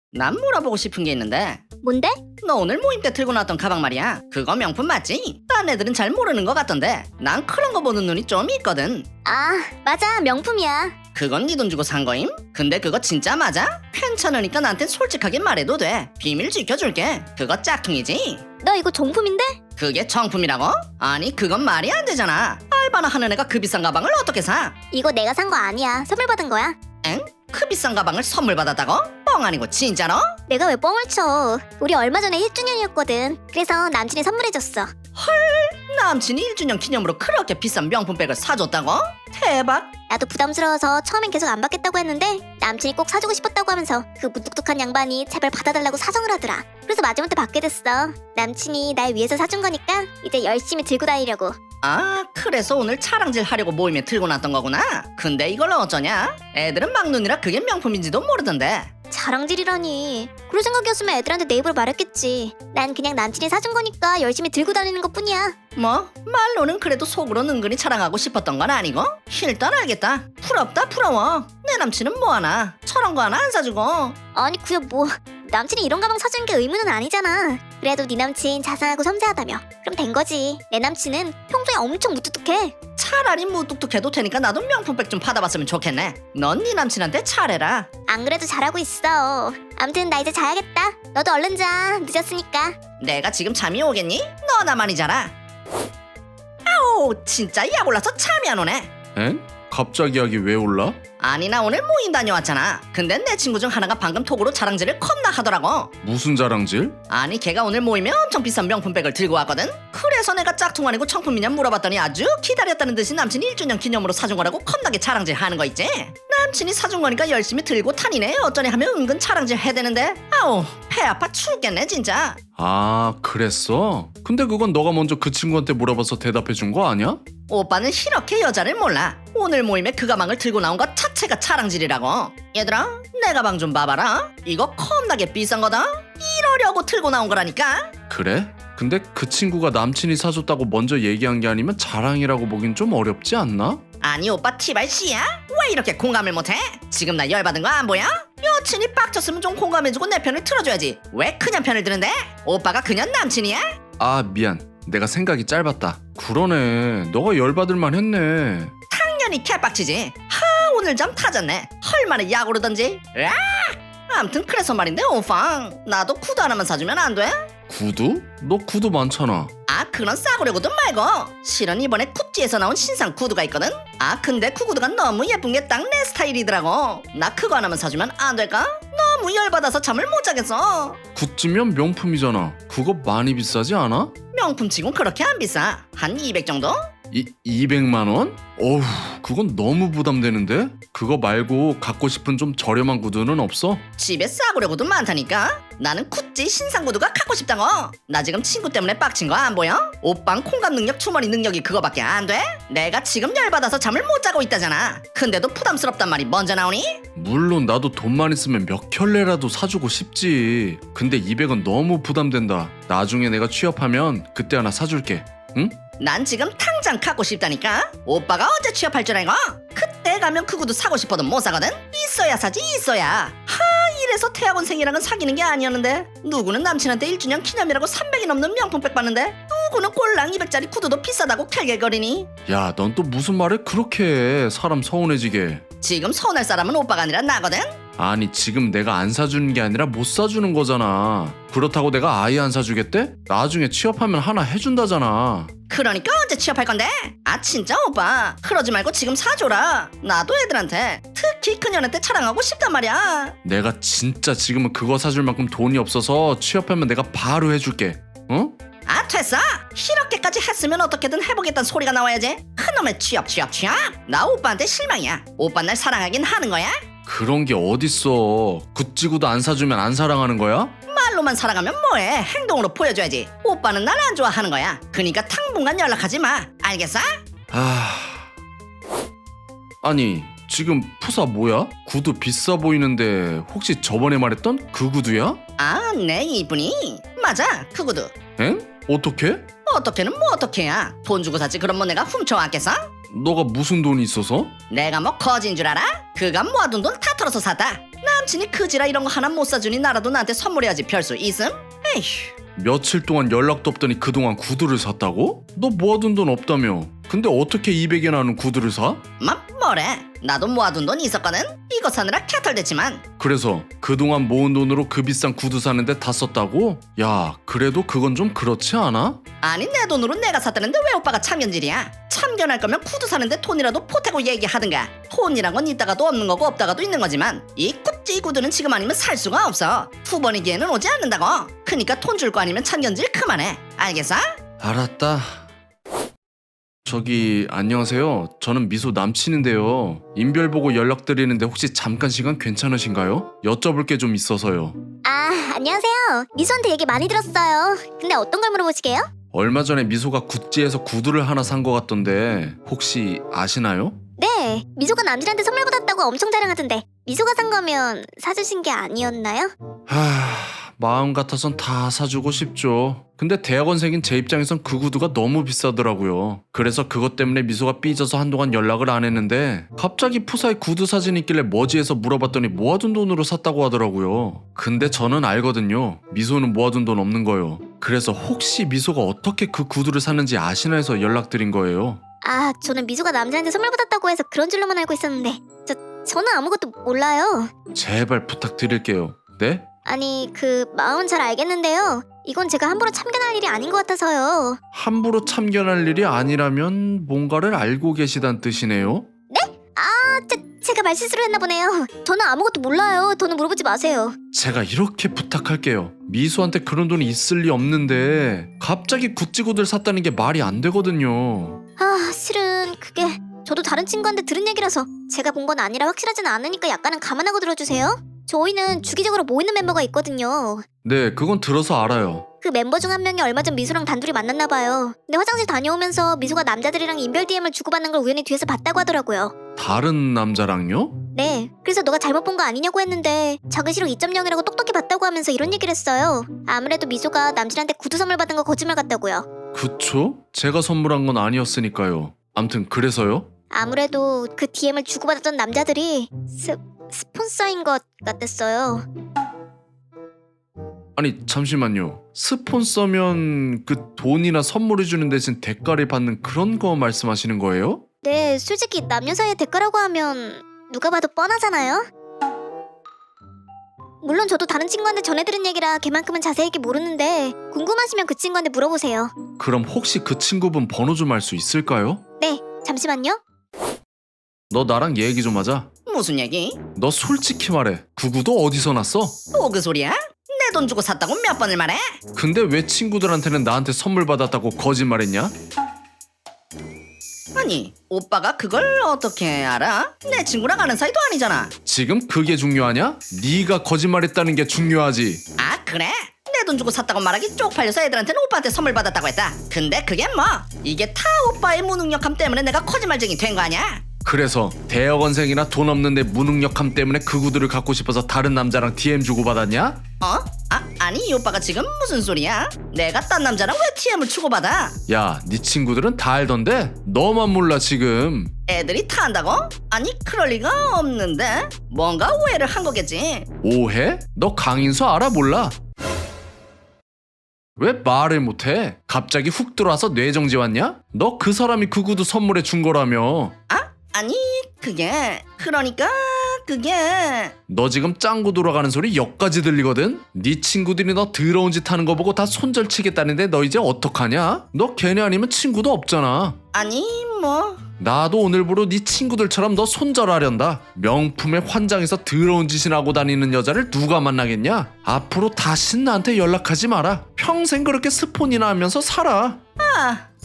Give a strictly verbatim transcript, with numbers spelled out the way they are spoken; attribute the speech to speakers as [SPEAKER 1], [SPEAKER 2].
[SPEAKER 1] 난 물어보고 싶은 게 있는데
[SPEAKER 2] 뭔데?
[SPEAKER 1] 너 오늘 모임 때 들고 나왔던 가방 말이야. 그거 명품 맞지? 딴 애들은 잘 모르는 것 같던데 난 그런 거 보는 눈이 좀 있거든.
[SPEAKER 2] 아, 맞아. 명품이야.
[SPEAKER 1] 그건 네 돈 주고 산 거임? 근데 그거 진짜 맞아? 괜찮으니까 나한텐 솔직하게 말해도 돼. 비밀 지켜줄게. 그거 짝퉁이지?
[SPEAKER 2] 너 이거 정품인데?
[SPEAKER 1] 그게 정품이라고? 아니 그건 말이 안 되잖아. 알바나 하는 애가 그 비싼 가방을 어떻게 사?
[SPEAKER 2] 이거 내가 산 거 아니야. 선물 받은 거야.
[SPEAKER 1] 엥? 그 비싼 가방을 선물 받았다고? 뻥 아니고 진짜로?
[SPEAKER 2] 내가 왜 뻥을 쳐. 우리 얼마 전에 일 주년이었거든. 그래서 남친이 선물해줬어.
[SPEAKER 1] 남친이 일 주년 기념으로 그렇게 비싼 명품백을 사줬다고? 대박.
[SPEAKER 2] 나도 부담스러워서 처음엔 계속 안 받겠다고 했는데 남친이 꼭 사주고 싶었다고 하면서 그 무뚝뚝한 양반이 제발 받아달라고 사정을 하더라. 그래서 마지막에 받게 됐어. 남친이 날 위해서 사준 거니까 이제 열심히 들고 다니려고.
[SPEAKER 1] 아 그래서 오늘 차량질 하려고 모임에 들고 났던 거구나. 근데 이걸 어쩌냐? 애들은 막눈이라 그게 명품인지도 모르던데.
[SPEAKER 2] 자랑질이라니. 그럴 생각이었으면 애들한테 내 입으로 말했겠지. 난 그냥 남친이 사준 거니까 열심히 들고 다니는 것뿐이야.
[SPEAKER 1] 뭐 말로는 그래도 속으로 은근히 자랑하고 싶었던 건 아니고? 일단 알겠다. 부럽다 부러워. 내 남친은 뭐하나? 저런 거 하나 안 사주고.
[SPEAKER 2] 아니 그야 뭐 남친이 이런 가방 사주는 게 의무는 아니잖아. 그래도 네 남친 자상하고 섬세하다며. 그럼 된 거지. 내 남친은 평소에 엄청 무뚝뚝해.
[SPEAKER 1] 차라리 무뚝뚝해도 되니까 나도 명품백 좀 받아봤으면 좋겠네. 넌 네 남친한테 차례라.
[SPEAKER 2] 안 그래도 잘하고 있어. 암튼 나 이제 자야겠다. 너도 얼른 자. 늦었으니까.
[SPEAKER 1] 내가 지금 잠이 오겠니? 너나만이 자라. 아우 진짜 약 올라서 잠이 안 오네.
[SPEAKER 3] 엥? 갑자기 약이 왜 올라?
[SPEAKER 1] 아니 나 오늘 모임 다녀왔잖아. 근데 내 친구 중 하나가 방금 톡으로 자랑질을 겁나 하더라고.
[SPEAKER 3] 무슨 자랑질?
[SPEAKER 1] 아니 걔가 오늘 모임에 엄청 비싼 명품백을 들고 왔거든. 그래서 내가 짝퉁 아니고 정품이냐 물어봤더니 아주 기다렸다는 듯이 남친이 일 주년 기념으로 사준 거라고 겁나게 자랑질 하는 거 있지. 남친이 사준 거니까 열심히 들고 타니네 어쩌니 하면 은근 자랑질 해대는데 아우 배 아파 죽겠네 진짜.
[SPEAKER 3] 아 그랬어? 근데 그건 너가 먼저 그 친구한테 물어봐서 대답해 준 거 아니야?
[SPEAKER 1] 오빠는 이렇게 여자를 몰라. 오늘 모임에 그 가방을 들고 나온 것 자체가 자랑질이라고. 얘들아 내 가방 좀 봐봐라. 이거 겁나게 비싼 거다. 이러려고 들고 나온 거라니까.
[SPEAKER 3] 그래? 근데 그 친구가 남친이 사줬다고 먼저 얘기한 게 아니면 자랑이라고 보긴 좀 어렵지 않나?
[SPEAKER 1] 아니 오빠 티발씨야? 왜 이렇게 공감을 못해? 지금 나 열받은 거 안 보여? 여친이 빡쳤으면 좀 공감해주고 내 편을 틀어줘야지. 왜 그냥 편을 드는데? 오빠가 그냥 남친이야?
[SPEAKER 3] 아 미안 내가 생각이 짧았다. 그러네 너가 열받을만 했네.
[SPEAKER 1] 당연히 개빡치지. 하 오늘 잠 타졌네. 헐만에 약 오르던지. 으악! 암튼 그래서 말인데 오빠 나도 구두 하나만 사주면 안 돼?
[SPEAKER 3] 구두? 너 구두 많잖아.
[SPEAKER 1] 아 그런 싸구려 구두 말고 실은 이번에 굽지에서 나온 신상 구두가 있거든. 아 근데 그 구두가 너무 예쁜 게 딱 내 스타일이더라고. 나 그거 하나만 사주면 안 될까? 너무 열받아서 잠을 못 자겠어.
[SPEAKER 3] 굿즈면 명품이잖아. 그거 많이 비싸지 않아?
[SPEAKER 1] 명품치곤 그렇게 안 비싸. 한 이백 정도?
[SPEAKER 3] 이, 이백만 원? 어휴 그건 너무 부담되는데? 그거 말고 갖고 싶은 좀 저렴한 구두는 없어?
[SPEAKER 1] 집에 싸구려 구두 많다니까. 나는 구찌 신상 구두가 갖고 싶다고. 나 지금 친구 때문에 빡친 거 안 보여? 오빵 콩감 능력 주머니 능력이 그거밖에 안 돼? 내가 지금 열받아서 잠을 못 자고 있다잖아. 근데도 부담스럽단 말이 먼저 나오니?
[SPEAKER 3] 물론 나도 돈만 있으면 몇 켤레라도 사주고 싶지. 근데 이백은 너무 부담된다. 나중에 내가 취업하면 그때 하나 사줄게. 응?
[SPEAKER 1] 난 지금 당장 갖고 싶다니까. 오빠가 언제 취업할 줄 알고? 그때 가면 그 구두 사고 싶어도 못 사거든. 있어야 사지 있어야. 하 이래서 대학원생이랑은 사귀는 게 아니었는데 누구는 남친한테 일 주년 기념이라고 삼백이 넘는 명품백 받는데 누구는 꼴랑 이백짜리 구두도 비싸다고 캘갤거리니.
[SPEAKER 3] 야, 넌 또 무슨 말을 그렇게 해. 사람 서운해지게.
[SPEAKER 1] 지금 서운할 사람은 오빠가 아니라 나거든.
[SPEAKER 3] 아니 지금 내가 안 사주는 게 아니라 못 사주는 거잖아. 그렇다고 내가 아예 안 사주겠대? 나중에 취업하면 하나 해준다잖아.
[SPEAKER 1] 그러니까 언제 취업할 건데? 아 진짜 오빠 그러지 말고 지금 사줘라. 나도 애들한테 특히 그녀한테 자랑하고 싶단 말이야.
[SPEAKER 3] 내가 진짜 지금은 그거 사줄 만큼 돈이 없어서 취업하면 내가 바로 해줄게. 어?
[SPEAKER 1] 아 됐어. 이렇게까지 했으면 어떻게든 해보겠다는 소리가 나와야지. 그놈의 취업 취업 취업. 나 오빠한테 실망이야. 오빠 날 사랑하긴 하는 거야?
[SPEAKER 3] 그런 게 어딨어. 구찌구도 안 사주면 안 사랑하는 거야?
[SPEAKER 1] 말로만 사랑하면 뭐해. 행동으로 보여줘야지. 오빠는 날 안 좋아하는 거야. 그니까 당분간 연락하지 마. 알겠어?
[SPEAKER 3] 아... 아니 지금 푸사 뭐야? 구두 비싸 보이는데 혹시 저번에 말했던 그 구두야?
[SPEAKER 1] 아 네 이분이 맞아 그 구두.
[SPEAKER 3] 엥? 어떻게?
[SPEAKER 1] 어떻게는 뭐 어떻게야. 돈 주고 샀지 그럼 뭐 내가 훔쳐왔겠어?
[SPEAKER 3] 너가 무슨 돈이 있어서?
[SPEAKER 1] 내가 뭐 거진 줄 알아? 그가 모아둔 돈 다 털어서 샀다. 남친이 그지라 이런 거 하나 못 사주니 나라도 나한테 선물해야지 별 수 있음? 에휴.
[SPEAKER 3] 며칠 동안 연락도 없더니 그동안 구두를 샀다고? 너 모아둔 돈 없다며. 근데 어떻게 이백이나 하는 구두를 사?
[SPEAKER 1] 마 뭐래? 나도 모아둔 돈 있었거든? 이거 사느라 캐털댔지만
[SPEAKER 3] 그래서 그동안 모은 돈으로 그 비싼 구두 사는데 다 썼다고? 야, 그래도 그건 좀 그렇지 않아?
[SPEAKER 1] 아니 내 돈으로 내가 샀다는데 왜 오빠가 참견질이야? 참견할 거면 구두 사는데 톤이라도 보태고 얘기하든가. 톤이란 건 있다가도 없는 거고 없다가도 있는 거지만 이 굽지 구두는 지금 아니면 살 수가 없어. 두 번이기에는 오지 않는다고. 그니까 톤 줄 거 아니면 참견질 그만해. 알겠어?
[SPEAKER 3] 알았다. 저기 안녕하세요. 저는 미소 남친인데요. 인별 보고 연락드리는데 혹시 잠깐 시간 괜찮으신가요? 여쭤볼 게 좀 있어서요.
[SPEAKER 2] 아, 안녕하세요. 미소한테 얘기 많이 들었어요. 근데 어떤 걸 물어보시게요?
[SPEAKER 3] 얼마 전에 미소가 구찌에서 구두를 하나 산 것 같던데 혹시 아시나요?
[SPEAKER 2] 네, 미소가 남친한테 선물 받았다고 엄청 자랑하던데 미소가 산 거면 사주신 게 아니었나요?
[SPEAKER 3] 하... 마음 같아선 다 사주고 싶죠. 근데 대학원생인 제 입장에선 그 구두가 너무 비싸더라고요. 그래서 그것 때문에 미소가 삐져서 한동안 연락을 안 했는데 갑자기 푸사에 구두 사진이 있길래 뭐지 해서 물어봤더니 모아둔 돈으로 샀다고 하더라고요. 근데 저는 알거든요. 미소는 모아둔 돈 없는 거요. 그래서 혹시 미소가 어떻게 그 구두를 샀는지 아시나 해서 연락드린 거예요.
[SPEAKER 2] 아, 저는 미소가 남자한테 선물 받았다고 해서 그런 줄로만 알고 있었는데 저, 저는 아무것도 몰라요.
[SPEAKER 3] 제발 부탁드릴게요. 네?
[SPEAKER 2] 아니, 그 마음은 잘 알겠는데요. 이건 제가 함부로 참견할 일이 아닌 것 같아서요.
[SPEAKER 3] 함부로 참견할 일이 아니라면 뭔가를 알고 계시단 뜻이네요?
[SPEAKER 2] 아, 제, 제가 말실수를 했나 보네요. 저는 아무것도 몰라요. 더는 물어보지 마세요.
[SPEAKER 3] 제가 이렇게 부탁할게요. 미소한테 그런 돈이 있을 리 없는데 갑자기 구찌 구두를 샀다는 게 말이 안 되거든요.
[SPEAKER 2] 아, 실은 그게 저도 다른 친구한테 들은 얘기라서 제가 본 건 아니라 확실하진 않으니까 약간은 감안하고 들어주세요. 저희는 주기적으로 모이는 멤버가 있거든요.
[SPEAKER 3] 네, 그건 들어서 알아요.
[SPEAKER 2] 그 멤버 중 한 명이 얼마 전 미소랑 단둘이 만났나 봐요. 근데 화장실 다녀오면서 미소가 남자들이랑 인별 디엠을 주고받는 걸 우연히 뒤에서 봤다고 하더라고요.
[SPEAKER 3] 다른 남자랑요?
[SPEAKER 2] 네, 그래서 너가 잘못 본 거 아니냐고 했는데 작은 시력 이 점 영이라고 똑똑히 봤다고 하면서 이런 얘기를 했어요. 아무래도 미소가 남친한테 구두 선물 받은 거 거짓말 같다고요.
[SPEAKER 3] 그쵸? 제가 선물한 건 아니었으니까요. 암튼 그래서요?
[SPEAKER 2] 아무래도 그 디엠을 주고받았던 남자들이 스, 스폰서인 것 같았어요.
[SPEAKER 3] 아니 잠시만요. 스폰서면 그 돈이나 선물을 주는 대신 대가를 받는 그런 거 말씀하시는 거예요?
[SPEAKER 2] 네, 솔직히 남녀 사이의 대가라고 하면 누가 봐도 뻔하잖아요? 물론 저도 다른 친구한테 전해들은 얘기라 걔만큼은 자세하게 모르는데 궁금하시면 그 친구한테 물어보세요.
[SPEAKER 3] 그럼 혹시 그 친구분 번호 좀 알 수 있을까요?
[SPEAKER 2] 네, 잠시만요.
[SPEAKER 3] 너 나랑 얘기 좀 하자.
[SPEAKER 1] 무슨 얘기?
[SPEAKER 3] 너 솔직히 말해. 그 구두 어디서 났어?
[SPEAKER 1] 뭐 그 소리야? 내 돈 주고 샀다고 몇 번을 말해?
[SPEAKER 3] 근데 왜 친구들한테는 나한테 선물 받았다고 거짓말했냐?
[SPEAKER 1] 아니 오빠가 그걸 어떻게 알아? 내 친구랑 아는 사이도 아니잖아.
[SPEAKER 3] 지금 그게 중요하냐? 네가 거짓말했다는 게 중요하지.
[SPEAKER 1] 아 그래? 내 돈 주고 샀다고 말하기 쪽팔려서 애들한테는 오빠한테 선물 받았다고 했다. 근데 그게 뭐? 이게 다 오빠의 무능력함 때문에 내가 거짓말쟁이 된 거 아니야?
[SPEAKER 3] 그래서 대학원생이나 돈 없는데 무능력함 때문에 그 구두를 갖고 싶어서 다른 남자랑 디엠 주고받았냐?
[SPEAKER 1] 어? 아 아니 이 오빠가 지금 무슨 소리야? 내가 딴 남자랑 왜 티엠을 주고받아?
[SPEAKER 3] 야, 네 친구들은 다 알던데? 너만 몰라 지금.
[SPEAKER 1] 애들이 다 안다고? 아니 그럴 리가 없는데 뭔가 오해를 한 거겠지.
[SPEAKER 3] 오해? 너 강인수 알아 몰라? 왜 말을 못해? 갑자기 훅 들어와서 뇌정지 왔냐? 너 그 사람이 그 구두 선물해 준 거라며.
[SPEAKER 1] 아? 아니 그게 그러니까 그게
[SPEAKER 3] 너 지금 짱구 돌아가는 소리 역까지 들리거든? 네 친구들이 너 더러운 짓 하는 거 보고 다 손절치겠다는데 너 이제 어떡하냐? 너 걔네 아니면 친구도 없잖아.
[SPEAKER 1] 아니 뭐
[SPEAKER 3] 나도 오늘부로 네 친구들처럼 너 손절하련다. 명품에 환장해서 더러운 짓을 하고 다니는 여자를 누가 만나겠냐? 앞으로 다신 나한테 연락하지 마라. 평생 그렇게 스폰이나 하면서 살아.
[SPEAKER 1] 아,